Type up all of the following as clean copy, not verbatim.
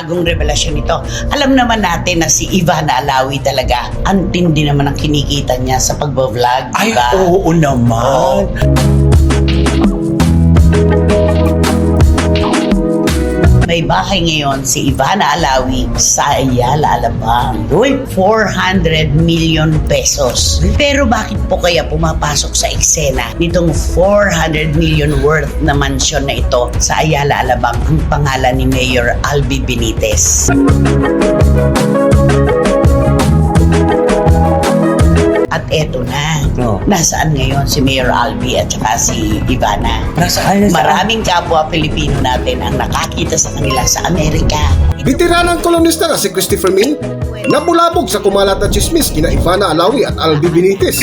bagong revelasyon ito. Alam naman natin na si Ivana Alawi talaga, ang tindi naman ang kinikita niya sa pagbablog, Ay, diba? oo naman. May bahay ngayon si Ivana Alawi sa Ayala, Alabang. Worth 400 million pesos. Pero bakit po kaya pumapasok sa eksena nitong 400 million worth na mansyon na ito sa Ayala, Alabang ang pangalan ni Mayor Albi Benitez? At eto na, nasaan ngayon si Mayor Albi at saka si Ivana? Nasaan? Maraming kapwa Pilipino natin ang nakakita sa kanila sa Amerika. Bitiranang kolonista na si Christopher Min, nabulabog sa kumalat na chismis kina Ivana Alawi at Albi Benitez.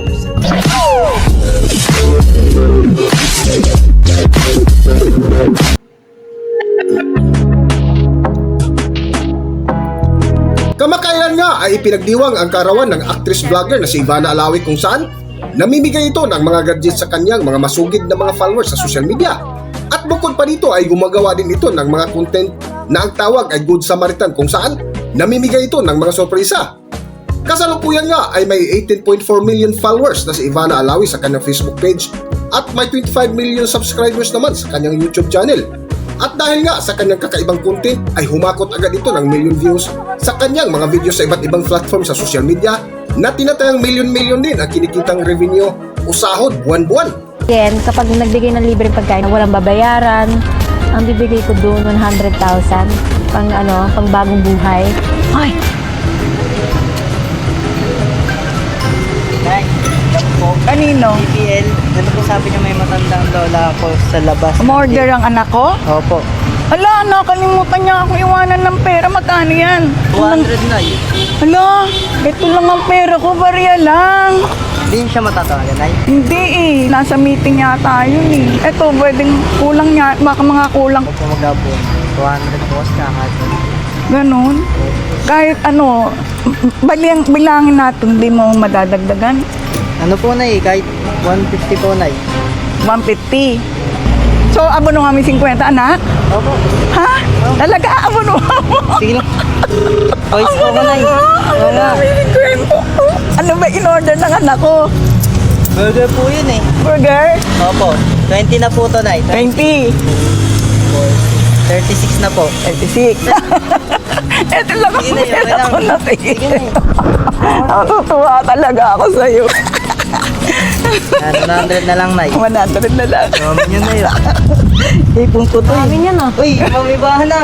Kamakailan nga ay ipinagdiwang ang karawan ng actress-vlogger na si Ivana Alawi kung saan namimigay ito ng mga gadgets sa kanyang mga masugid na mga followers sa social media. At bukod pa dito ay gumagawa din ito ng mga content na ang tawag ay Good Samaritan kung saan namimigay ito ng mga sorpresa. Kasalukuyan nga ay may 18.4 million followers na si Ivana Alawi sa kanyang Facebook page at may 25 million subscribers naman sa kanyang YouTube channel. At dahil nga sa kanyang kakaibang content ay humakot agad ito ng million views sa kanyang mga video sa iba't ibang platform sa social media na tinatayang million-million din ang kinikitang revenue o sahod buwan-buwan. Then, kapag nagbigay ng libreng pagkain na walang babayaran, ang bibigay ko doon 100,000 pang bagong buhay. Ay! Kanino? BPL, ano po sabi niya may matandang lola ako sa labas. Umorder ang anak ko? Opo. Hala, nakalimutan niya ako iwanan ng pera. Magkano yan? 200 na yun. Hala, ito lang ang pera ko, barya lang. Hindi siya matatawagan, ay. Hindi eh, nasa meeting yata yun eh. Ito, pwedeng kulang niya, baka mga kulang. Opo mag-abon. 200 po kasi kakasya. Ganon. Kahit ano, bilangin natin, hindi mo madadagdagan. Ano po na kahit 150 po na 150. So, abono kami 50, anak? Opo. Ha? Talaga, abono mo? Sige lang. Voice po ko na Oo nga. Ano ba in-order ng anak ko? Burger po yun Burger? Opo. 20 na po to na 20. 36 na po. 36. Ito lang ang Sige na, pera okay ko lang. na Sige na Natutuwa talaga ako sa'yo. 100 na lang 100 na lang. Mamin yun na yun. Ipon ko to. Amin yan ah. Uy, mamibahan na.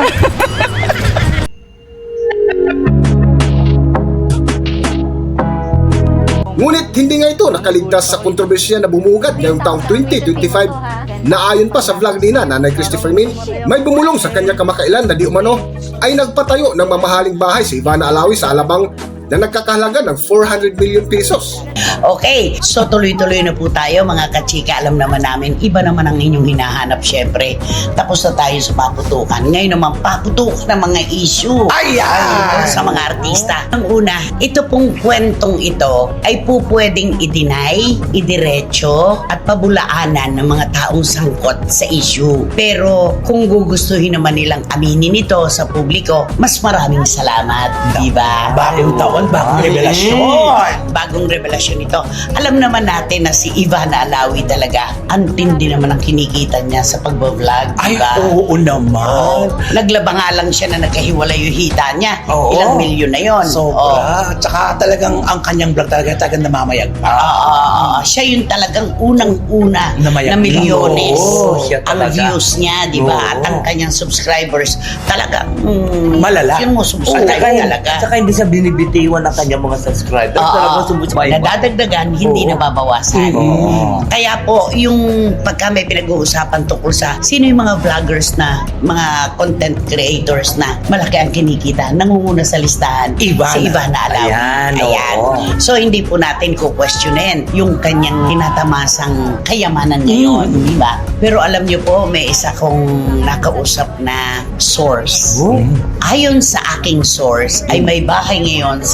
Ngunit hindi nga ito nakaligtas sa kontrobersiya na bumugad ngayong taong 2025 na ayon pa sa vlog ni Nanay Christopher Min, may bumulong sa kanya kamakailan na di umano ay nagpatayo ng mamahaling bahay si Ivana Alawi sa Alabang na nagkakahalaga ng 400 million pesos. Okay, so tuloy-tuloy na po tayo mga kachika. Alam naman namin, iba naman ang inyong hinahanap syempre. Tapos na tayo sa paputukan. Ngayon naman, paputukan ng mga issue. Ayan! Sa mga artista. Ang una, ito pong kwentong ito ay po pwedeng i-deny, idiretso, at pabulaanan ng mga taong sangkot sa issue. Pero kung gugustuhin naman nilang aminin ito sa publiko, mas maraming salamat. Diba? Bagong taon, bagong revelasyon. Bagong revelasyon ito. Alam naman natin na si Ivana Alawi talaga, ang tindi naman ang kinikita niya sa pagbablog. Ay, Diba? oo naman. Naglaba nga lang siya na nagkahiwalay yung hita niya. Oo. Ilang milyon na yon. Sobra. Tsaka talagang ang kanyang vlog talagang namamayag pa. Siya yung talagang unang-una Namayag na milyones Oo, siya ang talaga. views niya, di ba? Oo. At ang kanyang subscribers talagang Malala. Yung subscriber talaga. Saka hindi siya binibitiwan ng kanyang mga subscribers. Talagang sumusubay. Nadadagdagan, hindi Oo. nababawasan. Oo. Kaya po, yung pagka may pinag-uusapan tungkol sa sino yung mga vloggers na, mga content creators na malaki ang kinikita, nangunguna sa listahan, Ivana. si Ivana Alawi. Ayan, oo. So, hindi po natin kukwestiyonin yung kanyang tinatamasang kayamanan ngayon, di ba? Pero alam niyo po, may isa kong nakausap na source. Ayon sa aking source, ay may bahay ngayon si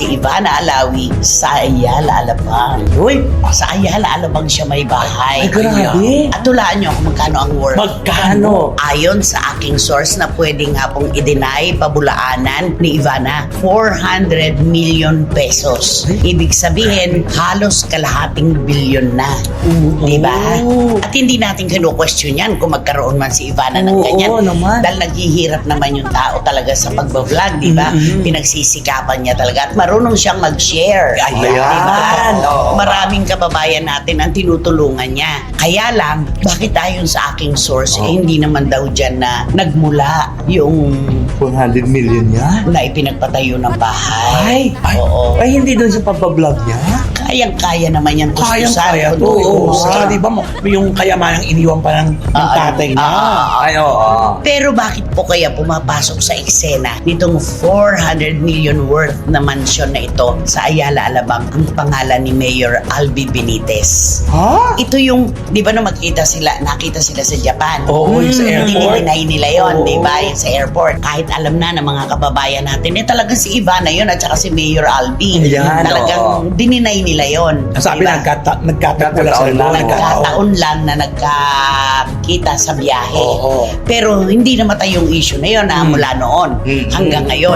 si Ivana Alawi sa Ayala, Alabang. Uy, sa Ayala, Alabang siya may bahay. Ay, grabe. At tulaan niyo kung magkano ang worth. Magkano? Ayon sa aking source na pwedeng nga pong i-deny pabulaanan ni Ivana, 400 million pesos. Ibig sabihin, halos kalahating bilyon na. Diba? At hindi natin kinu-question yan kung magkaroon man si Ivana ng Oo, ganyan. naman. Dahil naghihirap naman yung tao talaga sa pagbablog, diba? Pinagsisikapan niya talaga at marunong siyang mag-share. Ayan. Diba? Oo. Maraming kababayan natin ang tinutulungan niya. Kaya lang, bakit ayon sa aking source, hindi naman daw dyan na nagmula yung 400 million yan? na ipinagpatayo ng bahay. Ay, Oo. Ay, hindi doon sa pagbablog niya? Kayang-kaya naman yan Kayang-kaya to. Oo. Saka di ba yung kayamanang iniwan pa ng tatay niya. Ay, oo. Pero bakit po kaya pumapasok sa eksena nitong 400 million worth na mansyon na ito sa Ayala, Alabang ang pangalan ni Mayor Albi Benitez? Ha? Ito yung, di ba nung nakita sila sa Japan? Oo, yung sa airport. Dininay nila yon, Oo. di ba? Yung sa airport. Kahit alam na ng mga kababayan natin, talagang si Ivana yun at saka si Mayor Albi. Ayan, Talagang dininay nila yon. Sabi, Diba? nagkataon lang sila. Nagkataon lang na nagkakita sa biyahe. Oo. Pero hindi namatay yung issue na yun na mula noon hanggang ngayon.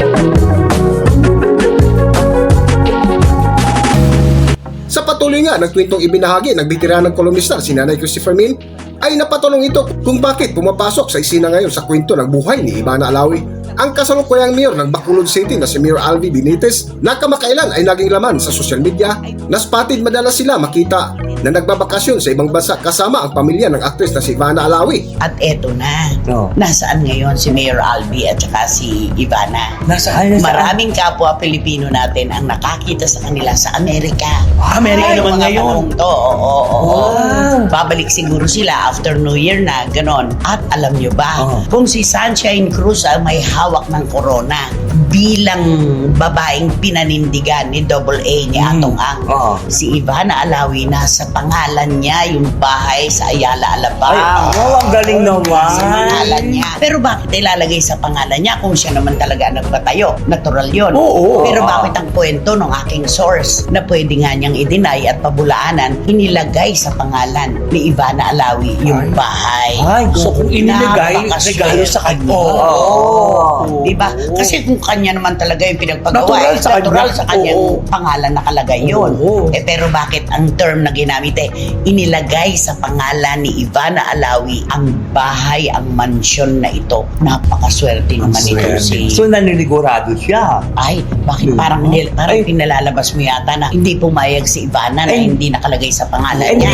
Sa patuloy nga ng kwentong ibinahagi ng bitiranang kolumnista si Nanay Christopher Min, ay napatanong ito kung bakit pumapasok sa isina ngayon sa kwento ng buhay ni Ivana Alawi ang kasalukuyang mayor ng Bacolod City na si Mayor Albi Benitez na kamakailan ay naging laman sa social media na spotted madalas sila makita na nagbabakasyon sa ibang bansa kasama ang pamilya ng aktres na si Ivana Alawi. At eto na. Oo. Nasaan ngayon si Mayor Albi at saka si Ivana? Nasaan? Maraming kapwa Pilipino natin ang nakakita sa kanila sa Amerika. Amerika naman mga ngayon. panahong to. Oo. Wow. Babalik siguro sila after New Year na, ganon. At alam nyo ba, kung si Sunshine Cruz ay may hawak ng corona bilang babaeng pinanindigan ni AA ni Atong Ang, Oo. si Ivana Alawi, nasa pangalan niya yung bahay sa Ayala, Alabang. Ay, ang galing naman. Sa pangalan niya. Pero bakit ilalagay sa pangalan niya kung siya naman talaga nagpatayo? Natural yun. Oo. Pero bakit ang kwento ng aking source na pwede nga niyang i-deny at pabulaanan, inilagay sa pangalan ni Ivana Alawi yung bahay? Ay, So kung inilagay, regalo sa kanya. Oo. Diba? Kasi kung kanya naman talaga yung pinagpagawa, Natural sa kanya. natural sa kanyang Oo. pangalan nakalagay yun. Oo. Pero bakit ang term na ginamit inilagay sa pangalan ni Ivana Alawi ang bahay, ang mansyon na ito? Napakaswerte naman ito si... So, naninigurado siya. Ay, bakit parang pinalalabas mo yata na hindi pumayag si Ivana na hindi nakalagay sa pangalan niya?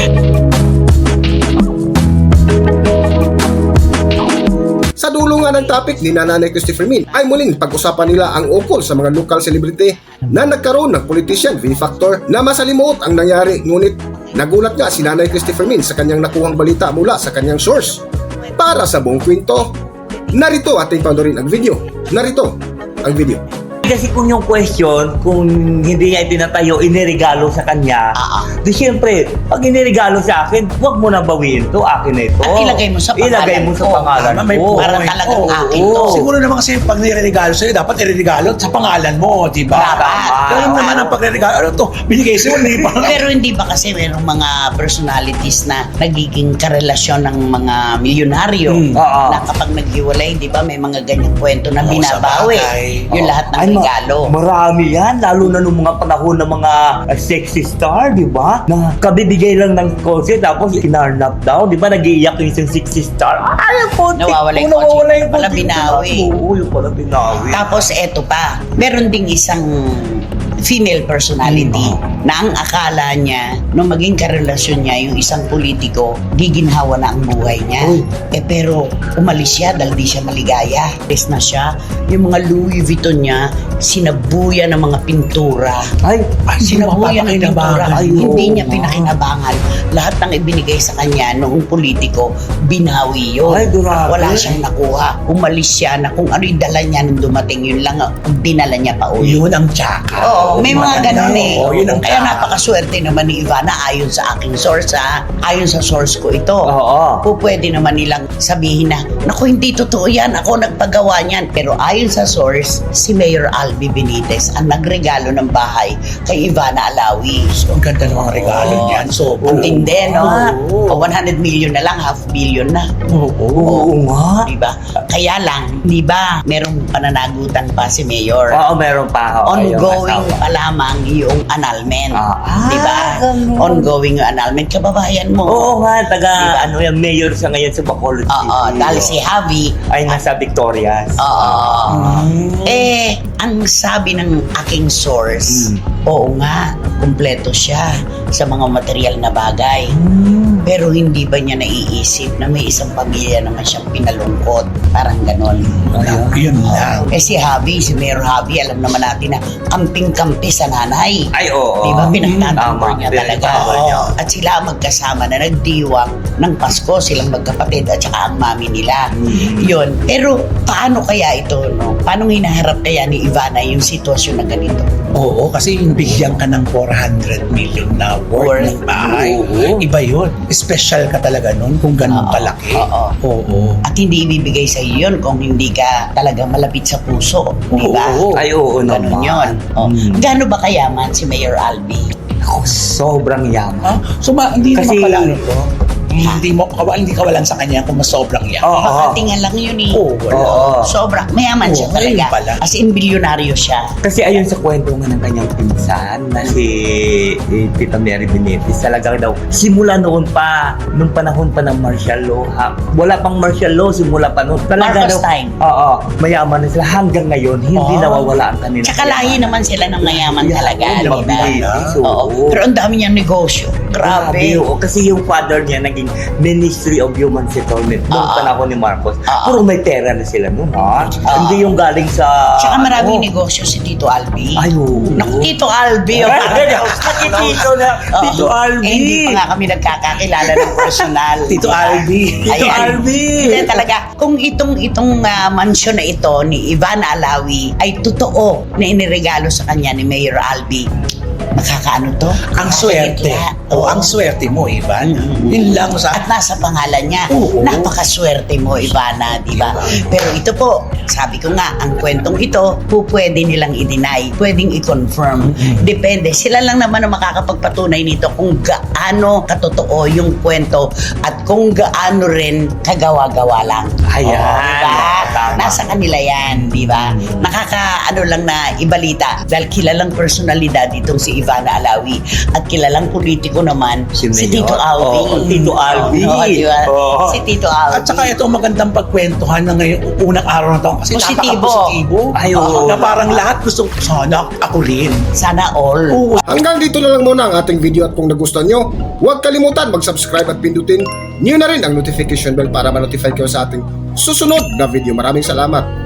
Sa dulo nga ng topic ni Nanay Christopher Min ay muling pag-usapan nila ang ukol sa mga local celebrity na nagkaroon ng politician V-Factor na masalimuot ang nangyari, ngunit nagulat nga si Nanay Christopher Min sa kanyang nakuhang balita mula sa kanyang source. Para sa buong kwento, narito ating panoorin ang video. Narito ang video. Kasi kung yung question, kung hindi niya itinatayo, iniregalo sa kanya, di syempre, pag iniregalo sa akin, huwag mo na bawiin to, akin na ito. At ilagay mo sa pangalan Ilagay mo sa ko. pangalan Tama, may ko. Para talagang akin to. Siguro naman kasi pag niregalo sa'yo, dapat iregalo sa pangalan mo, di ba? Dapat. Ganun naman ang pagre-regalo. Ano to? Binigay sa'yo, hindi pa. Pero hindi ba kasi mayroong mga personalities na nagiging karelasyon ng mga milyonaryo Oo. na kapag naghiwalay, di ba, may mga ganyang kwento na Oo, binabawi sa bagay. yung lahat ng regalo. Marami yan, lalo na nung mga panahon ng mga sexy star, di ba? Na kabibigay lang ng kotse, tapos kinarnap daw, di ba? Nag-iiyak yung isang sexy star. Ay, ang putik Nawawala yung ko, nawawala kotse. yung Wala kotse. binawi. Oo, yung pala binawi. Tapos eto pa, meron ding isang female personality na ang akala niya nung maging karelasyon niya yung isang politiko, giginhawa na ang buhay niya. Pero umalis siya dahil di siya maligaya. Bes na siya, yung mga Louis Vuitton niya, sinabuya ng mga pintura. Ay, Sinabuya ng pintura. mapapakinabangan. Hindi niya pinakinabangan. Lahat ng ibinigay sa kanya noong politiko, binawi yun. Ay, grabe. Wala siyang nakuha. Umalis siya na kung ano yung dala niya nung dumating, yun lang ang dinala niya pa uwi. Yun ang tsaka. Oo, may mga ganun eh. Oo, yun ang Kaya Kaya napakaswerte naman ni Ivana ayon sa aking source ha. Ayon sa source ko ito. Oo. Pwede naman nilang sabihin na, naku, hindi totoo yan, ako nagpagawa niyan. Pero ayon sa source, si Mayor Albi Benitez ang nagregalo ng bahay kay Ivana Alawi. So, ang ganda ng mga regalo niyan. So, Ang tindi, no? Oo. 100 million na lang, half billion na. Oo nga. Diba? Kaya lang, di ba, merong pananagutan pa si Mayor. Oo, meron pa. Oo, yung Ongoing asawa. pa lamang yung annulment. Di ba? ganun. Ongoing yung annulment. Kababayan mo. Oo nga, taga, Diba? ano yung mayor siya ngayon sa Bacolod City. Oo, dahil si Javi, ay nasa Victorias. oo. Ang sabi ng aking source, oo nga, kumpleto siya sa mga material na bagay. Pero hindi ba niya naiisip na may isang pamilya naman siyang pinalungkot? Parang ganon. yun lang. Si Javi, si Mayor Javi, alam naman natin na kamping-kampi sa nanay. Ay, oo. Di ba? Pinagtatamper Tama, niya talaga. pinagtatamper niya. At sila magkasama na nagdiwang ng Pasko, silang magkapatid at saka ang mami nila. Yun. Pero paano kaya ito? No? Paano hinaharap kaya ni Ivana yung sitwasyon na ganito? Oo, kasi yung bigyan ka ng 400 million na worth ng bahay. Oo. Iba yun. Special ka talaga nun kung ganun Oo. kalaki. Oo. At hindi ibibigay sa iyo yun kung hindi ka talaga malapit sa puso. Di ba? Ay, oo Ganun naman. yun. Gaano ba kayaman si Mayor Albi? Ako, sobrang yaman. Ah, so, hindi Kasi- naman pala ano to. Hindi kawalan sa kanya kung mas sobrang yan. Oo. Makatingan lang yun eh. Oo, wala. Oo. Sobra. Mayaman siya Oo, ngayon talaga. pala. As in, bilyonaryo siya. Kasi ayon sa kwento nga ng kanyang pinsan na si Tita Mary Benitez, talagang daw, simula noon pa, nung panahon pa ng martial law, wala pang martial law, simula pa noon. Talaga Marcos daw, time. Oo, mayaman na sila. Hanggang ngayon, hindi nawawala ang kanila. Tsaka lahi naman sila ng mayaman talaga. Oo, Di ba? Benitez, Oo. Pero ang dami niyang negosyo. Grabe. Oo, kasi yung father niya naging Ministry of Human Settlement noong panahon ni Marcos. Puro may pera na sila noon, ha? Hindi yung galing sa... Tsaka maraming negosyo si Tito Albi. Ay, oo. Naku, Tito Albi. oh. Tito na, Oo. Tito Albi. Hindi pa nga kami nagkakakilala ng personal. Tito Diba? Albi. Tito Albi. Hindi talaga, kung itong mansyon na ito ni Ivana Alawi ay totoo na iniregalo sa kanya ni Mayor Albi, makakaano to? Ang swerte. Oo. Ang swerte mo, Ivan. Yun lang sa... At nasa pangalan niya, Oo. napakaswerte mo, Ivana, di ba? Pero ito po, sabi ko nga, ang kwentong ito, pwede nilang i-deny, pwedeng i-confirm. Depende. Sila lang naman ang makakapagpatunay nito kung gaano katotoo yung kwento at kung gaano rin kagawa-gawa lang. Ayan. Diba? Tama. Nasa kanila yan, di ba? Nakakaano lang na ibalita dahil kilalang personalidad itong si Ivana Alawi at kilalang politiko naman si Mayor. Tito Albi. Oo, Tito Albi. Oo, di ba? Oo. Si Tito Albi. At saka ito magandang pagkwentuhan na ngayon unang araw ng taon kasi Positibo. napaka-positibo. Ay, oo. Na parang lahat gusto sana ako rin. Sana all. Oo. Hanggang dito na lang muna ang ating video at kung nagustuhan nyo, huwag kalimutan mag-subscribe at pindutin nyo na rin ang notification bell para ma-notify kayo sa ating susunod na video. Maraming salamat!